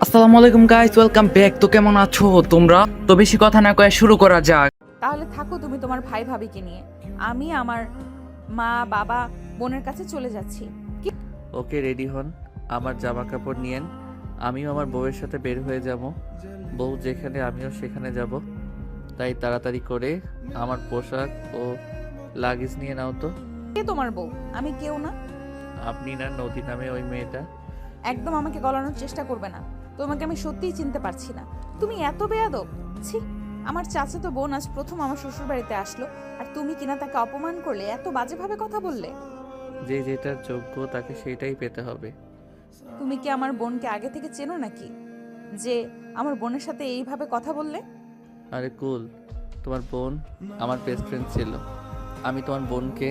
আসসালামু আলাইকুম guys, welcome back. তো কেমন আছো তোমরা? তো বেশি কথা না কয়ে শুরু করা যাক। তাহলে থাকো তুমি তোমার ভাই ভাবিকে নিয়ে। আমি আমার মা বাবা বোনের কাছে চলে যাচ্ছি। কি? ওকে, রেডি হন। আমার জামা কাপড় নিয়েন। আমিও আমার বউয়ের সাথে বের হয়ে যাব। বউ যেখানে আমিও সেখানে যাব। তাই তাড়াতাড়ি করে আমার পোশাক ও লাগেজ নিয়ে নাও তো। কে তোমার বউ? আমি কেউ না। আপনি না নদী নামে ওই মেয়েটা? একদম আমাকে গলানোর চেষ্টা করবে না। তোমাকে আমি সত্যিই চিনতে পারছি না। তুমি এত বেয়াদব। ছি! আমার চাচাতো বোন আজ প্রথম আমার শ্বশুর বাড়িতে আসলো, আর তুমি কিনা তাকে অপমান করলে, এত বাজেভাবে কথা বললে। যে যেটার যোগ্য তাকে সেটাই পেতে হবে। তুমি কি আমার বোনকে আগে থেকে চেনো নাকি, যে আমার বোনের সাথে এইভাবে কথা বললে? আরে কুল, তোমার বোন আমার বেস্ট ফ্রেন্ড ছিল। আমি তোমার বোনকে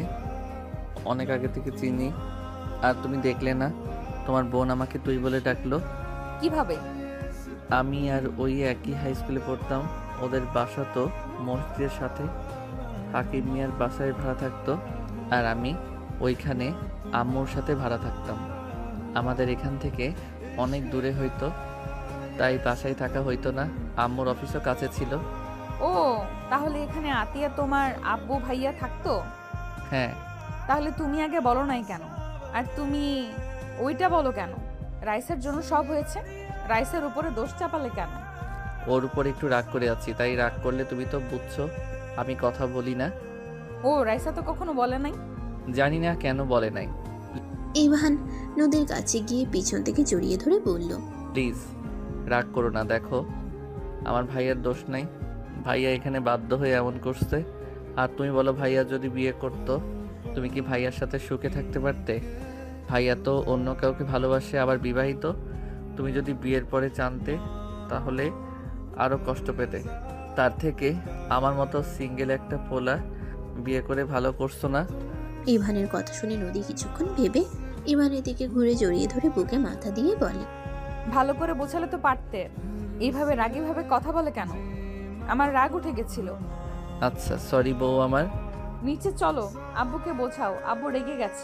অনেক আগে থেকে চিনি। আর তুমি দেখলে না, তোমার বোন আমাকে তুই বলে ডাকলো। কিভাবে? আমি আর ওই একই হাই স্কুলে পড়তাম। ওদের বাসা তো মসজিদের সাথে। হাকিম মিয়ার বাসায় ভাড়া থাকতো, আর আমি ওইখানে আম্মুর সাথে ভাড়া থাকতাম। আমাদের এখান থেকে অনেক দূরে হইতো, তাই বাসায় থাকা হইতো না। আম্মুর অফিসও কাছে ছিল। ও, তাহলে এখানে আতিয়া তোমার আব্বু ভাইয়া থাকতো? হ্যাঁ। তাহলে তুমি আগে বলো নাই কেন? আর তুমি ওইটা বলো কেন? রাইসের জন্য সব হয়েছে, রাইসের উপরে দোষ চাপালে কেন? ওর উপর একটু রাগ করে আছি, তাই রাগ করলে তুমি তো বুঝছো আমি কথা বলি না। ও, রাইসা তো কখনো বলে নাই। জানি না কেন বলে নাই। ইভান নদীর কাছে গিয়ে পিছন থেকে জড়িয়ে ধরে বলল, প্লিজ রাগ করো না। দেখো, আমার ভাইয়ার দোষ নাই। ভাইয়া এখানে বাধ্য হয়ে এমন করছে। আর তুমি বলো, ভাইয়া যদি বিয়ে করতো, তুমি কি ভাইয়ার সাথে সুখে থাকতে পারতে? ভাইয়া তো অন্য কাউকে ভালোবাসে, আবার বিবাহিত। তুমি যদি বিয়ের পরে জানতে, তাহলে আরও কষ্ট পেতে। তার থেকে আমার মতো সিঙ্গেল একটা পোলা বিয়ে করে ভালো করছো না? ইভানের কথা শুনে নদী কিছুক্ষণ ভেবে ইভানের দিকে ঘুরে জড়িয়ে ধরে বুকে মাথা দিয়ে বলে, ভালো করে বোঝালে তো পারতে। এইভাবে রাগীভাবে কথা বলে কেন? আমার রাগ উঠে গেছিল। আচ্ছা, সরি বউ আমার। নিচে চলো, আব্বুকে বোঝাও, আব্বু রেগে গেছে,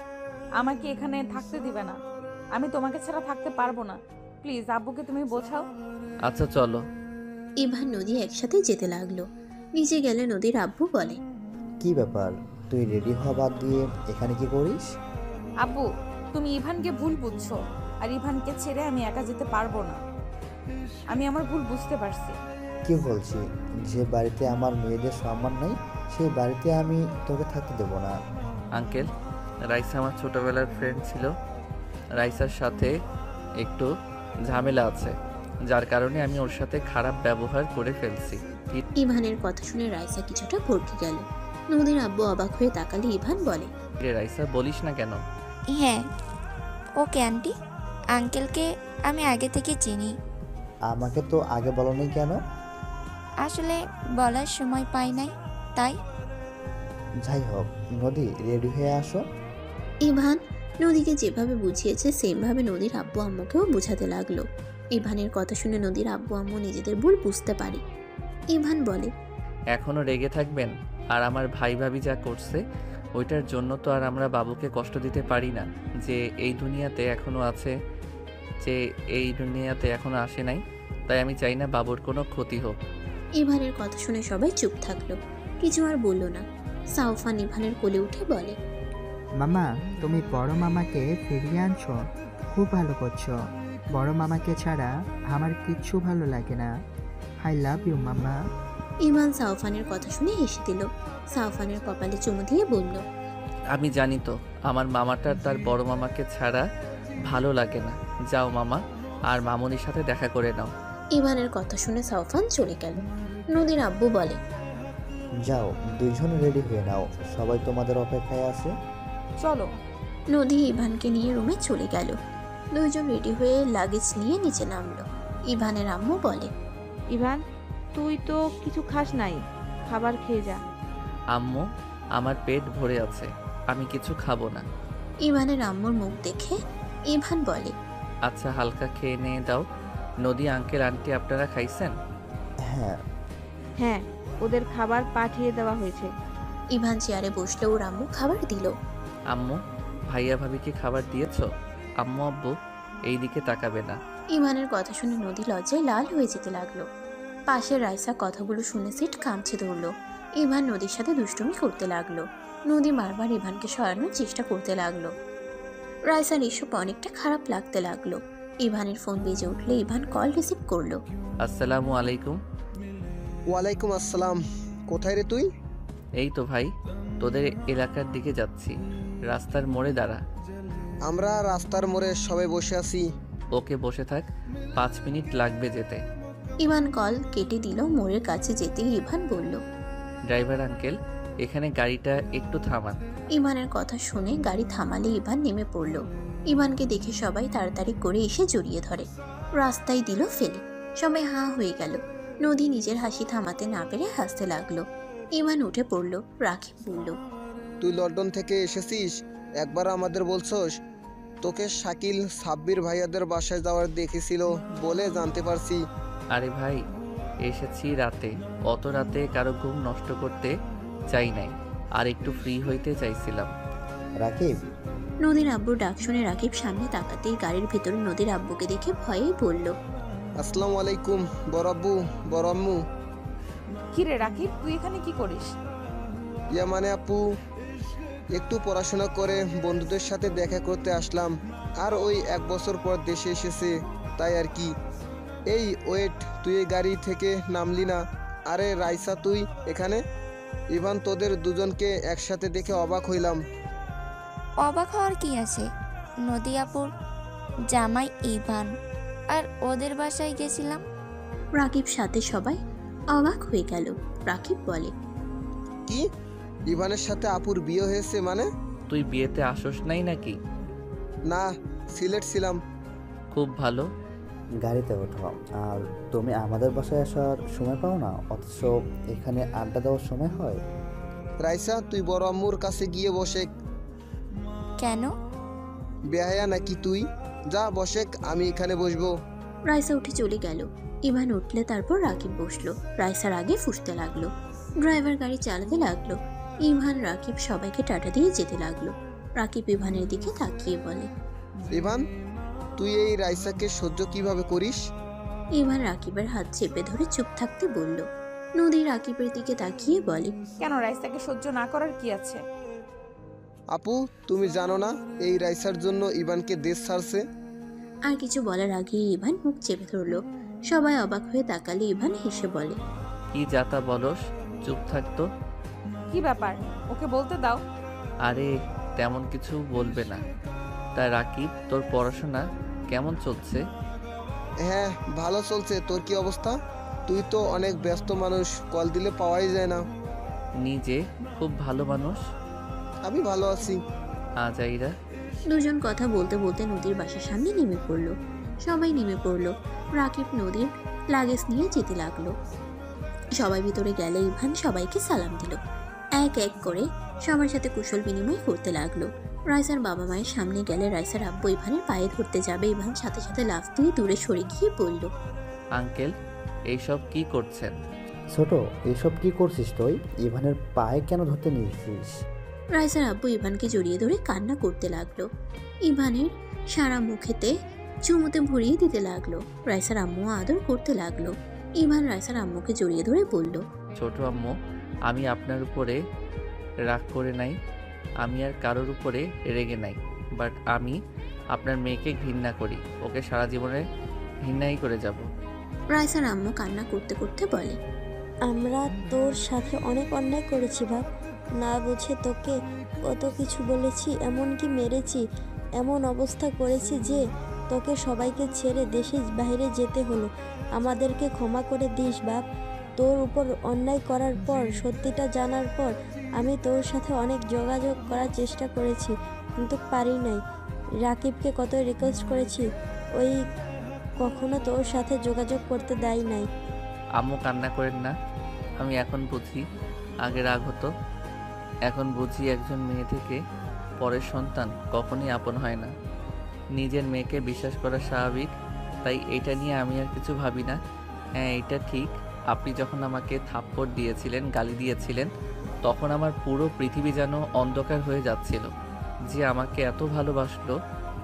আমাকে এখানে থাকতে দিবে না। আমি তোমাকে ছাড়া থাকতে পারবো না। প্লিজ আব্বুকে তুমি বোঝাও। আচ্ছা চলো। ইভান নদী একসাথে যেতে লাগলো। নিচে গেলে নদীর আব্বু বলে, কি ব্যাপার, তুই রেডি হওয়া বাদ দিয়ে এখানে কি করিস? আব্বু, তুমি ইভানকে ভুল বুঝছো, আর ইভানকে ছেড়ে আমি একা যেতে পারবো না। আমি আমার ভুল বুঝতে পারছি। কি বলছি, যে বাড়িতে আমার মেয়েদের সম্মান নেই সেই বাড়িতে আমি তোকে থাকতে দেবো না। আঙ্কেল, রাইসা আমার ছোটবেলার ফ্রেন্ড ছিল। রাইসার সাথে একটু ঝামেলা আছে, যার কারণে আমি ওর সাথে খারাপ ব্যবহার করে ফেলছি। ইভানের কথা শুনে রাইসা কিছুটা ভরকে গেল। নদীর আব্বু অবাক হয়ে তাকালে ইভান বলে, রে রাইসা, বলিস না কেন? হ্যাঁ, ওকে আন্টি, আঙ্কেলকে আমি আগে থেকে চিনি। আমাকে তো আগে বলোনি কেন? আসলে বলার সময় পাই নাই, তাই। যাই হোক, নদী রেডি হয়ে আসো। ইভান নদীকে যেভাবে বুঝিয়েছে সেমভাবে নদীর আব্বু আম্মুকেও বোঝাতে লাগলো। ইভানের কথা শুনে নদীর আব্বু আম্মু নিজেদের ভুল বুঝতে পারে। ইভান বলে, এখনো রেগে থাকবেন? আর আমার ভাই ভাবি যা করছে, ওইটার জন্য তো আর আমরা বাবুকে কষ্ট দিতে পারি না। যে এই দুনিয়াতে এখনো আছে, যে এই দুনিয়াতে এখনো আসে নাই। তাই আমি চাই না বাবুর কোনো ক্ষতি হোক। ইভানের কথা শুনে সবাই চুপ থাকলো, কিছু আর বলল না। সাউফান ইভানের কোলে উঠে বলে, মামা, তুমি বড় মামাকে ফিরিয়ে আনছো, খুব ভালো করছো। বড় মামাকে ছাড়া আমার কিচ্ছু ভালো লাগে না। আই লাভ ইউ মামা। ইভান সাউফানের কথা শুনে হেসে দিল। সাউফানের কপালে চুমু দিয়ে বলল, আমি জানি তো আমার মামাটার তার বড় মামাকে ছাড়া ভালো লাগে না। যাও মামা, আর মামনির সাথে দেখা করে নাও। ইভানের কথা শুনে সাউফান চলে গেল। নদীর আব্বু বলে, যাও, দুইজন রেডি হয়ে নাও, সবাই তোমাদের অপেক্ষায় আছে। চলো। নদী ইভানকে নিয়ে রুমে চলে গেল। দুইজন রেডি হয়ে লাগেজ নিয়ে নিচে নামলো। ইভানের আম্মু বলে, ইভান, তুই তো কিছু খাস নাই, খাবার খেয়ে যা। আম্মু, আমার পেট ভরে আছে, আমি কিছু খাবো না। ইভানের আম্মুর মুখ দেখে ইভান বলে, আচ্ছা, হালকা খেয়ে নিয়ে দাও। নদী আঙ্কেল আন্টি আপনারা খাইছেন? হ্যাঁ। হ্যাঁ, ওদের খাবার পাঠিয়ে দেওয়া হয়েছে। ইভান চেয়ারে বসলে ওর আম্মু খাবার দিল। আম্মু, ভাইয়া ভাবিকে খাবার দিয়েছো? আম্মু আব্বু এই দিকে তাকাবে না। ইভানের কথা শুনে নদী লজ্জায় লাল হয়ে যেতে লাগলো। পাশের রাইসা কথাগুলো শুনে সিট কামছে ধরলো। ইভান নদীর সাথে দুষ্টুমি করতে লাগলো। নদী বারবার ইভানকে সরানোর চেষ্টা করতে লাগলো। রাইসার এসব অনেকটা খারাপ লাগতে লাগলো। ইভানের ফোন বেজে উঠলে ইভান কল রিসিভ করলো। আসসালামু আলাইকুম। ওয়ালাইকুম আসসালাম। কোথায় রে তুই? এই তো ভাই, তোদের এলাকার দিকে যাচ্ছি, রাস্তার মোড়ে দাঁড়া। আমরা রাস্তার মোড়ে সবাই বসে আছি। ওকে, বসে থাক, 5 মিনিট লাগবে যেতে। ইভান কল কেটে দিল। মোড়ের কাছে যেতেই ইভান বলল, ড্রাইভার আঙ্কেল, এখানে গাড়িটা একটু থামান। ইভানের কথা শুনে গাড়ি থামালে ইভান নেমে পড়ল। ইভানকে দেখে সবাই তাড়াতাড়ি করে এসে জড়িয়ে ধরে। রাস্তায় দিল ফেলে। সবাই হাঁ হয়ে গেল। নদী নিজের হাসি থামাতে না পেরে হাসতে লাগলো। ইভান উঠে পড়ল। রাকিব বলল, তুই লন্ডন থেকে এসেছিস, একবার আমাদের বলছস? তোকে শাকিল সাব্বির ভাইয়াদের বাসায় যাওয়ার দেখেছিল বলে জানতে পারছি। আরে ভাই, এসেছি রাতে, অত রাতে কারো ঘুম নষ্ট করতে চাই নাই, আর একটু ফ্রি হইতে চাইছিলাম। রাকিব, নদীর আব্বুর ডাক শুনে রাকিব সামনে তাকাতেই গাড়ির ভিতরে নদীর আব্বুকে দেখে ভয়েই বলল, আসসালামু আলাইকুম বড় আব্বু, বড় আম্মু। কি রে রাকিব, তুই এখানে কি করিস? ইয়া মানে আপু, একটু পড়াশোনা করে বন্ধুদের সাথে দেখা করতে আসলাম। আর ওই 1 বছর পর দেশে এসেছে, তাই আর কি। এই ওয়েট, তুই এই গাড়ি থেকে নামলি না? আরে রাইসা, তুই এখানে? ইভান, তোদের দুজনকে একসাথে দেখে অবাক হইলাম। অবাক হওয়ার কি আছে? নদী আপুর জামাই ইভান, আর ওদের বাসায় গেছিলাম। রাকিব সাথে সবাই অবাক হয়ে গেল। রাকিব বলে, কি? ইভানের সাথে আপুর বিয়ে হয়েছে মানে? তুই বিয়েতে আসোস নাই নাকি? না, সিলেট ছিলাম। খুব ভালো। গাড়িতে ওঠো। আর তুমি আমাদের বাসায় আসার সময় পাও না, অথচ এখানে আড্ডা দেওয়ার সময় হয়। রাইসা, তুই বড় আম্মুর কাছে গিয়ে বসে। কেন? বেহায়া নাকি তুই? যা বসে, আমি এখানে বসবো। রাইসা উঠে চলে গেল। ইভান উঠলে তারপর রাকিব বসলো। রাইসার আগে ফুঁসতে লাগলো। ড্রাইভার গাড়ি চালাতে লাগলো। ইভান রাকিব সবাইকে টাটা দিয়ে যেতে লাগলো। রাকিব ইভানের দিকে তাকিয়ে বলে, ইভান, তুই এই রাইসাকে সহ্য কিভাবে করিস? ইভান রাকিবের হাত চেপে ধরে চুপ থাকতে বলল। নদী রাকিবের দিকে তাকিয়ে বলে, কেন রাইসাকে সহ্য না করার কি আছে? আপু, তুমি জানো না এই রাইসার জন্য ইভানকে দেশ ছাড়ছে? আর কিছু বলার আগে ইভান মুখ চেপে ধরলো। সবাই অবাক হয়ে তাকালে ইভান হেসে বলে, কি যাতা বলস, চুপ থাকতো। কি ব্যাপার, ওকে বলতে দাও। আরে তেমন কিছু বলবে না। তা রাকিব, তোর পড়াশোনা কেমন চলছে? হ্যাঁ, ভালো চলছে। তোর কি অবস্থা? তুই তো অনেক ব্যস্ত মানুষ, কল দিলে পাওয়াই যায় না। নিজে খুব ভালো মানুষ। আমি ভালো আছি। আজাইরা। দুজন কথা বলতে বলতে নদীর বাসার সামনে নেমে পড়লো। সবাই নেমে পড়লো। রাকিব নদীর লাগেজ নিয়ে যেতে লাগলো। সবাই ভিতরে গেলে ইভান সবাইকে সালাম দিল। এক এক করে সবার সাথে কুশল বিনিময় করতে লাগলো। রাইসার বাবা মায়ের সামনে গেলে রাইসার আব্বু ইভানের পায়ে ধরতে যাবে। ইভান সাথে সাথে লাফ দিয়ে দূরে সরে গিয়ে বলল, আঙ্কেল, এইসব কি করছেন? ছোট, এসব কি করছিস তুই? ইভানের পায়ে কেন ধরতে নিয়েছিস? রাইসার আব্বু ইভানকে জড়িয়ে ধরে কান্না করতে লাগলো। ইভানের সারা মুখেতে চুমুতে ভরিয়ে দিতে লাগলো। রাইসার আম্মু আদর করতে লাগলো। ইভান রাইসার আম্মুকে জড়িয়ে ধরে বলল, ছোট আম্মু, আমি আপনার উপরে রাগ করে নাই, আমি আর কারোর উপরে রেগে নাই, বাট আমি আপনার মেয়েকে ঘৃণা করি, ওকে সারা জীবনে ঘৃণাই করে যাব। রাইসার আম্মু কান্না করতে করতে বলে, আমরা তোর সাথে অনেক অন্যায় করেছি বাপ, না বুঝে তোকে কত কিছু বলেছি, এমনকি মেরেছি, এমন অবস্থা করেছি যে তোকে সবাইকে ছেড়ে দেশের বাইরে যেতে হলো। আমাদেরকে ক্ষমা করে দিস বাপ। তোর উপর অন্যায় করার পর, সত্যিটা জানার পর আমি তোর সাথে অনেক যোগাযোগ করার চেষ্টা করেছি, কিন্তু পারি নাই। রাকিবকে কত রিকোয়েস্ট করেছি, ওই কখনো তোর সাথে যোগাযোগ করতে দেয় নাই। আম্মু, কান্না করেন না। আমি এখন বুঝি, আগে রাগ হতো, এখন বুঝি একজন মেয়ে থেকে পরের সন্তান কখনই আপন হয় না। নিজের মেয়েকে বিশ্বাস করা স্বাভাবিক, তাই এটা নিয়ে আমি আর কিছু ভাবি না। হ্যাঁ, এটা ঠিক, আপনি যখন আমাকে থাপ্পড় দিয়েছিলেন, গালি দিয়েছিলেন, তখন আমার পুরো পৃথিবী যেন অন্ধকার হয়ে যাচ্ছিল। যে আমাকে এত ভালোবাসলো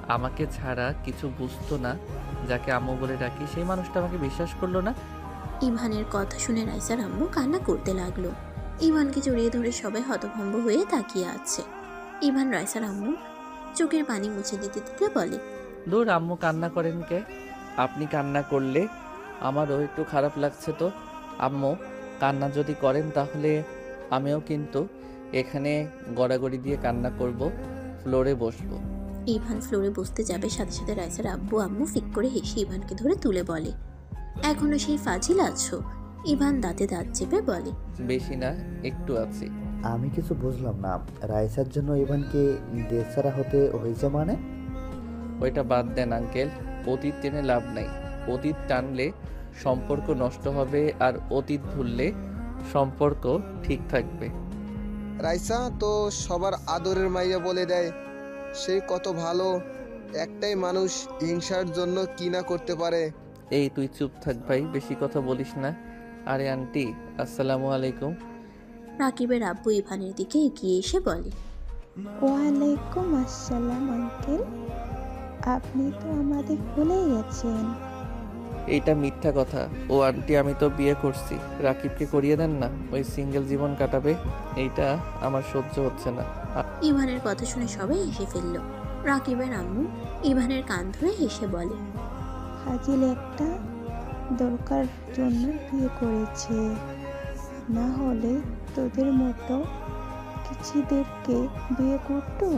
আমাকে ছাড়া কিছু বুঝতো না, যাকে আম্মু বলে ডাকি, সেই মানুষটা আমাকে বিশ্বাস করলো না। ইভানের কথা শুনে রাইসার আম্মু কান্না করতে লাগলো। ইভানকে জড়িয়ে ধরে সবাই হতভম্ব হয়ে তাকিয়ে আছে। ইভান রাইসার আম্মু চোখের পানি মুছে দিতে দিতে বলে, দূর, আম্মু কান্না করেন কে? আপনি কান্না করলে আমারও একটু খারাপ লাগছে তো। আম্মু কান্না যদি করেন তাহলে আমিও কিন্তু এখানে গড়াগড়ি দিয়ে কান্না করব, ফ্লোরে বসবো। ইভান ফ্লোরে বসতে যাবে, সাথে সাথে রাইসার আব্বু আম্মু ফিক করে হেসে ইভানকে ধরে তুলে বলে, এখনো সেই ফাজিল আছো? ইভান দাঁতে দাঁত চেপে বলে, বেশি না, একটু আছি। আমি কিছু বুঝলাম না, রাইসার জন্য ইভানকে দেশছাড়া হতে হয়েছে মানে? ওইটা বাদ দেন আঙ্কেল, অতীত টেনে লাভ নাই। অতীত টানলে সম্পর্ক নষ্ট হবে, আর অতীত ভুললে সম্পর্ক ঠিক থাকবে। রাইসা তো সবার আদরের মাইয়া বলে দেয়, সে কত ভালো, একটাই মানুষ হিংসার জন্য কি না করতে পারে। এই তুই চুপ থাক ভাই, বেশি কথা বলিস না। আরে আন্টি, আসসালামু আলাইকুম। রাকিবের আব্বু ইভানের দিকে এগিয়ে এসে বলে, ওয়ালাইকুম আসসালাম আঙ্কেল, আপনি তো আমাদের ভুলে গেছেন। এইটা মিথ্যা কথা। ও আন্টি, আমি তো বিয়ে করছি। রাকিবকে করিয়ে দেন না, ওই সিঙ্গেল জীবন কাটাবে। এইটা আমার সহ্য হচ্ছে না। ইভানের কথা শুনে সবাই হেসে ফেলল। রাকিবের আম্মু ইভানের কান ধরে হেসে বলে, ফাজিল একটা, দরকার জন্য বিয়ে করেছে, না হলে তোদের মতো কিছুদেরকে বিয়ে করতো।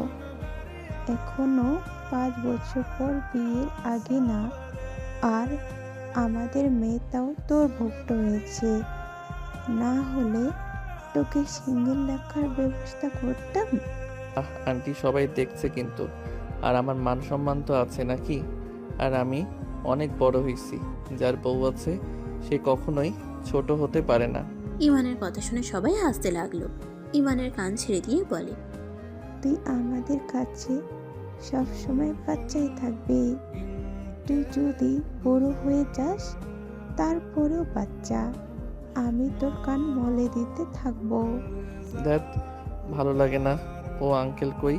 এখনো 5 বছর পর বিয়ের আগে না, আর আমাদের মেয়েটাও তোর ভুক্ত হয়েছে, না হলে তোকে সিঙ্গেল রাখার ব্যবস্থা করতাম। আন্টি, সবাই দেখছে কিন্তু, আর আমার মান সম্মান তো আছে নাকি? আর আমি অনেক বড় হয়েছি, যার বউ আছে সে কখনোই ছোট হতে পারে না। ইভানের কথা শুনে সবাই হাসতে লাগলো। ইভানের কান ছেড়ে দিয়ে বলে, তুই আমাদের কাছে সবসময় বাচ্চাই থাকবি। তুই যদি বড় হয়ে যাস তারপরেও বাচ্চা, আমি তোর কান মলে দিতে থাকবো। দ্যাট ভালো লাগে না। ও আঙ্কেল কই?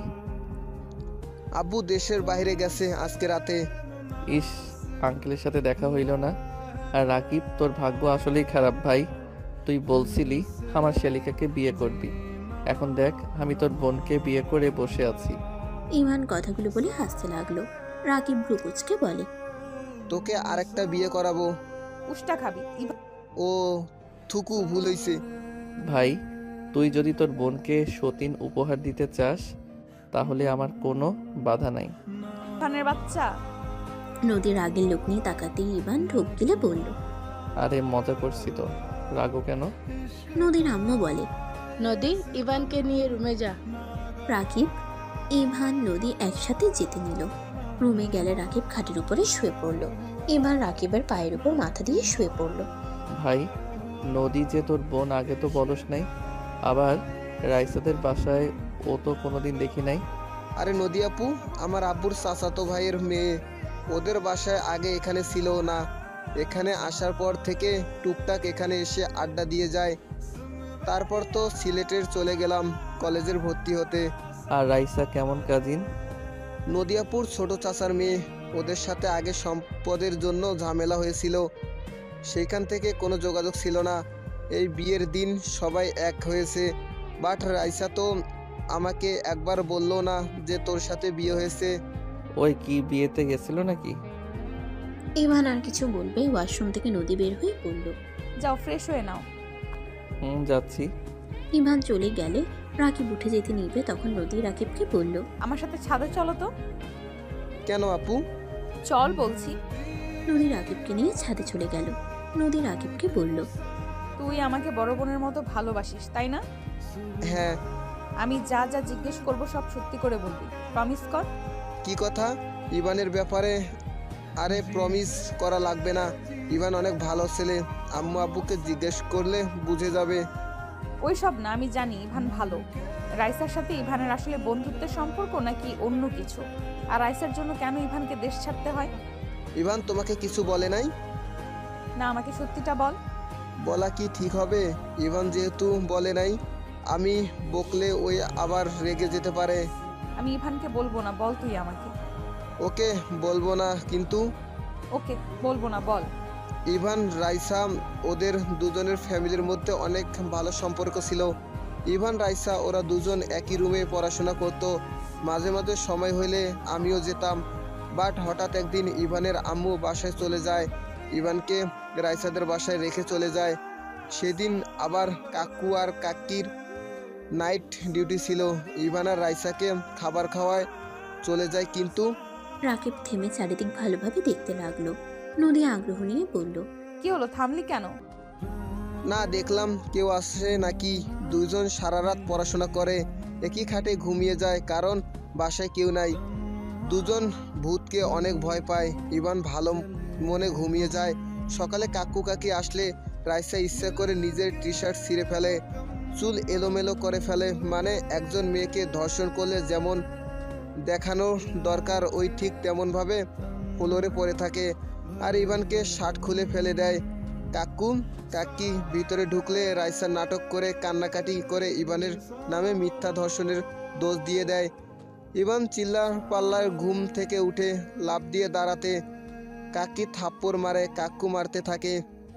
আব্বু দেশের বাইরে গেছে আজকে রাতে। ইস, আঙ্কেলের সাথে দেখা হইল না। আর রাকিব, তোর ভাগ্য আসলেই খারাপ ভাই। তুই বলছিলি আমার শালিকাকে বিয়ে করবি, এখন দেখ আমি তোর বোনকে বিয়ে করে বসে আছি। ইভান কথাগুলো বলে হাসতে লাগলো। রাকিব ভ্রুকুচকে বলে, তোকে আরেকটা বিয়ে করাবো। উষ্টা খাবি। ও থুকু, ভুল হইছে। ভাই, তুই যদি তোর বোনকে সতীন উপহার দিতে চাস তাহলে আমার কোনো বাধা নাই। ইভানের বাচ্চা। নদীর আগের লোক নিয়ে তাকাতেই ইভান ঢোক গিলে বলল, আরে মজা করছি তো, রাগো কেন? নদীর আম্মু বলে, নদী, ইভানকে নিয়ে রুমে যা। রাকিব, ইভান, নদী একসাথে যেতে নিল। রুমে গেলে রাকিব খাটের উপরে শুয়ে পড়ল। ইভান রাকিবের পায়ের উপর মাথা দিয়ে শুয়ে পড়ল। ভাই, নদী যে তোর বোন, আগে তো বলস নাই। আবার রাইসাদের বাসায় ও তো কোনোদিন দেখি নাই। আরে নদী আপু আমার আব্বুর চাচাতো ভাইয়ের মেয়ে, ওদের বাসায় আগে এখানে ছিল না, এখানে আসার পর থেকে টুকটাক এখানে এসে আড্ডা দিয়ে যায়। তারপর তো সিলেটের চলে গেলাম কলেজের ভর্তি হতে। আর রাইসা কেমন কাজিন? নদিয়াপুর ছোট চাচার মেয়ে, ওদের সাথে আগে সম্পদের জন্য ঝামেলা হয়েছিল, সেইখান থেকে কোনো যোগাযোগ ছিল না। এই বিয়ের দিন সবাই এক হয়েছে, বাট রাইসা তো আমাকে একবার বললো না যে তোর সাথে বিয়ে হয়েছে। ওই কি বিয়েতে গেছিল নাকি? ইভান আর কিছু বলবে, ওয়াশরুম থেকে নদী বের হয়ে পড়ল। যাও ফ্রেশ হয়ে নাও। যাচ্ছি। ইভান চলে গেলে রাকিব উঠে যেতে নিবে, তখন নদী রাকিবকে বলল, আমার সাথে ছাদে চলো তো। কেন আপু? চল বলছি। নদী রাকিবকে নিয়ে ছাদে চলে গেল। নদী রাকিবকে বলল, তুই আমাকে বড় বোনের মতো ভালোবাসিস তাই না? হ্যাঁ। আমি যা যা জিজ্ঞেস করব সব সত্যি করে বলবি, প্রমিস কর। কি কথা? ইভানের ব্যাপারে? আরে প্রমিস করা লাগবে না, ইভান অনেক ভালো ছেলে, আম্মু আব্বুকে জিজ্ঞেস করলে বুঝে যাবে। ওই সব না, আমি জানি ইভান ভালো। রাইসার সাথে ইভানের আসলে বন্ধুত্বের সম্পর্ক নাকি অন্য কিছু? আর রাইসার জন্য কেন ইভানকে দেশ ছাড়তে হয়? ইভান তোমাকে কিছু বলে নাই? না, আমাকে সত্যিটা বল। বলা কি ঠিক হবে? ইভান যেহেতু বলে নাই, আমি বকলে ওই আবার রেগে যেতে পারে। আমি ইভানকে বলবো না, বল তুই আমাকে। ওকে বলবো না কিন্তু ওকে বলবো না, বল। ইভান রাইসা ওদের দুজনের ফ্যামিলির মধ্যে অনেক ভালো সম্পর্ক ছিল। ইভান রাইসা ওরা দুজন একই রুমে পড়াশোনা করত। মাঝে মাঝে সময় হলে আমিও যেতাম। বাট হঠাৎ একদিন ইভানের আম্মু বাসায় চলে যায়, ইভানকে রাইসাদের বাসায় রেখে চলে যায়। সেদিন আবার কাকু আর কাকির নাইট ডিউটি ছিল। ইভান আর রাইসাকে খাবার খাওয়ায় চলে যায় কিন্তু রাকিব থেমে চারিদিক ভালোভাবে দেখতে লাগলো। নদী আগ্রহ নিয়ে বলল, কি হলো, থামলি কেন? না, দেখলাম কেউ আসে নাকি। দুজন সারা রাত পড়াশোনা করে, একই খাটে ঘুমিয়ে যায় কারণ বাসায় কেউ নাই। দুজন ভূতকে অনেক ভয় পায়। ইভান ভালো মনে ঘুমিয়ে যায়। সকালে কাকু কাকি আসলে রাইসা ইচ্ছা করে নিজের টি শার্ট ছিঁড়ে ফেলে, চুল এলোমেলো করে ফেলে। মানে একজন মেয়েকে ধর্ষণ করলে যেমন দেখানো দরকার ওই ঠিক তেমনভাবে ফ্লোরে পড়ে থাকে। আর ইভানকে শার্ট খুলে ফেলে দেয়। কাকু কাকি ভিতরে ঢুকলে রাইসা নাটক করে কান্নাকাটি করে ইভানের নামে মিথ্যা ধর্ষণের দোষ দিয়ে দেয়। ইভান চিল্লার পাল্লার ঘুম থেকে উঠে লাফ দিয়ে দাঁড়াতে কাকি থাপ্পড় মারে, কাকু মারতে থাকে।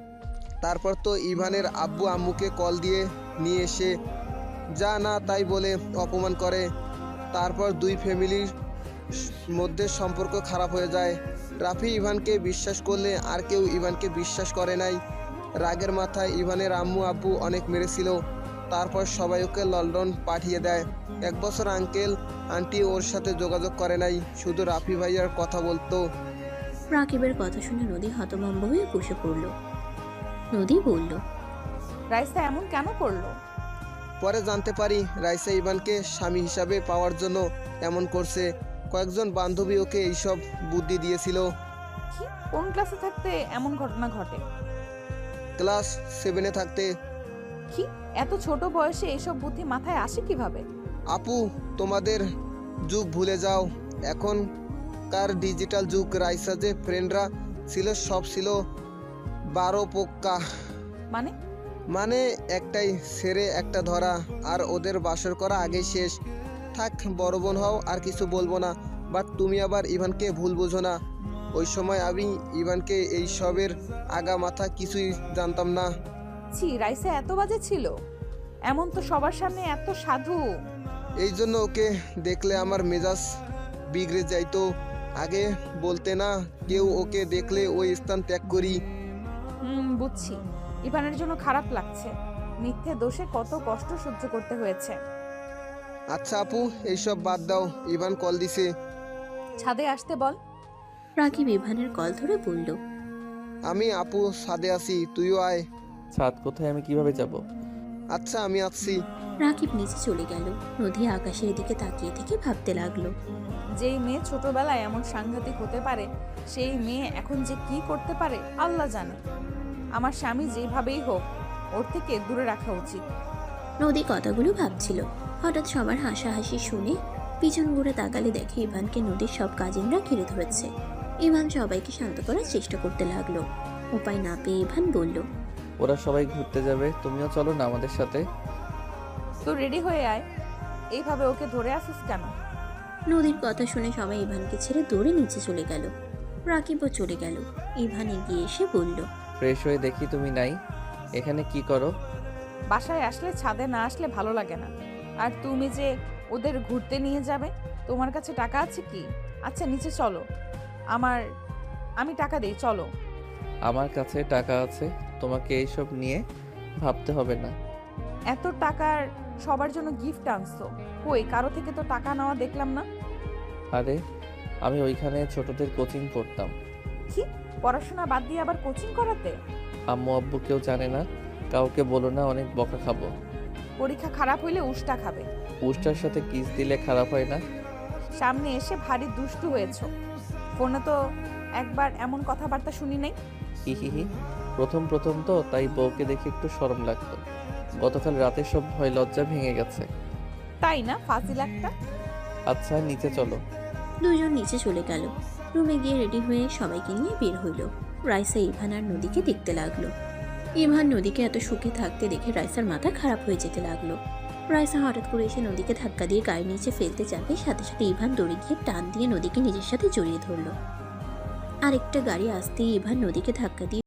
তারপর তো ইভানের আব্বু আম্মুকে কল দিয়ে নিয়ে এসে যা না তাই বলে অপমান করে। তারপর দুই ফ্যামিলির মধ্যে সম্পর্ক খারাপ হয়ে যায়। রাফি ইভানকে বিশ্বাস করলে আর কেউ ইভানকে বিশ্বাস করে নাই। রাগের মাথায় ইভানের আম্মু আব্বু অনেক মেরেছিল। তারপর সবাই ওকে লন্ডন পাঠিয়ে দেয়। 1 বছর আঙ্কেল আন্টি ওর সাথে যোগাযোগ করে নাই, শুধু রাফি ভাইয়ার কথা বলতো। রাকিবের কথা শুনে নদী হতভম্ব হয়ে বসে পড়ল। নদী বলল, রাইসা এমন কেন করলো? পরে জানতে পারি রাইসা ইভানকে স্বামী হিসাবে পাওয়ার জন্য এমন করছে। কয়েকজন বান্ধবী ওকে এইসব বুদ্ধি দিয়েছিল। কি, কোন ক্লাসে থাকতে এমন ঘটনা ঘটে? ক্লাস 7-এ থাকতে। কি, এত ছোট বয়সে এইসব বুদ্ধি মাথায় আসে কিভাবে? আপু, তোমাদের যুগ ভুলে যাও, এখনকার ডিজিটাল যুগ। রাইসা যে ফ্রেন্ডরা ছিল সব ছিল 12 পোক্কা। মানে একটাই ছেড়ে একটা ধরা, আর ওদের বাসর করা আগেই শেষ। থাক, বড় বোন হও, আর কিছু বলবো না। বাট তুমি আবার ইভানকে ভুল বোঝো না। ওই সময় আমি ইভানকে এই সবের আগা মাথা কিছুই জানতাম না। ছি, রাইসা এত বাজে ছিল? এমন তো সবার সামনে এত সাধু। এই জন্য ওকে দেখলে আমার মেজাজ বিগড়ে যাইতো। আগে বলতে না, কেউ ওকে দেখলে ওই স্থান ত্যাগ করি। বুঝছি, ইভানের জন্য খারাপ লাগছে। মিথ্যে দোষে কত কষ্ট সহ্য করতে হয়েছে। আচ্ছা আপু, এইসব বাদ দাও, ইভান কল দিছে। ছাদে আসতে বল। রাকিব ইভানের কল ধরে বলল, আমি আপু ছাদে আছি, তুইও আয়। ছাদ কোথায়, আমি কিভাবে যাব? আচ্ছা, আমি আসছি। রাকিব নিচে চলে গেল। নদী আকাশের দিকে তাকিয়ে থেকে ভাবতে লাগলো, যেই মেয়ে ছোটবেলায় এমন সাংঘাতিক হতে পারে, সেই মেয়ে এখন যে কি করতে পারে আল্লাহ জানে। আমার স্বামী যেভাবেই হোক ওর থেকে দূরে রাখা উচিত। নদী কথাগুলো ভাবছিল। হঠাৎ সবার হাসাহাসি শুনে পিছন ঘুরে তাকালে দেখে ইভানকে নদীর সব কাজিনরা ঘিরে ধরেছে। ইভান সবাইকে শান্ত করার চেষ্টা করতে লাগলো। উপায় না পেয়ে ইভান বলল, ওরা সবাই ঘুরতে যাবে, তুমিও চলো না আমাদের সাথে। তো রেডি হয়ে আয়, এইভাবে ওকে ধরে আসিস কেন? নদীর কথা শুনে সবাই ইভানকে ছেড়ে দৌড়ে নিচে চলে গেল। রাকিবও চলে গেল। ইভান এগিয়ে এসে বলল, ফ্রেশ হয়ে দেখি তুমি নাই, এখানে কি করো? বাসায় আসলে ছাদে না আসলে ভালো লাগে না। আর তুমি যে ওদের ঘুরতে নিয়ে যাবে, তোমার কাছে টাকা আছে কি? আচ্ছা নিচে চলো, আমি টাকা দিই, চলো। আমার কাছে টাকা আছে, তোমাকে এইসব নিয়ে ভাবতে হবে না। এত টাকার সবার জন্য গিফট আনছো, কই কারো থেকে তো টাকা নেওয়া দেখলাম না। আরে আমি ওইখানে ছোটদের কোচিং পড়তাম। কি, পড়াশোনা বাদ দিয়ে আবার কোচিং করাতে? আম্মু আব্বু কেউ জানে না, কাউকে বলো না, অনেক বকা খাবো। পরীক্ষা খারাপ হইলে উষ্টা খাবে। উষ্টার সাথে কিস দিলে খারাপ হয় না? সামনে এসে ভারী দুষ্টু হয়েছো। ফোনে তো একবার এমন কথাবার্তা শুনি নাই। হি প্রথম তো, তাই বউকে দেখে একটু শরম লাগতো। গতকাল রাতে সব ভয় লজ্জা ভেঙে গেছে। তাই না, ফাজিল একটা। আচ্ছা নিচে চলো। দুজন নিচে চলে গেল। রুমে গিয়ে রেডি হয়ে সবাইকে নিয়ে বের হইল। রাইসা ইভান আর নদীকে দেখতে লাগলো। ইভান নদীকে এত সুখে থাকতে দেখে রাইসার মাথা খারাপ হয়ে যেতে লাগলো। রাইসা হঠাৎ করে এসে নদীকে ধাক্কা দিয়ে গাড়ি নিচে ফেলতে যাবে, সাথে সাথে ইভান দৌড়ে গিয়ে টান দিয়ে নদীকে নিজের সাথে জড়িয়ে ধরলো। আরেকটা গাড়ি আসতেই ইভান নদীকে ধাক্কা দিয়ে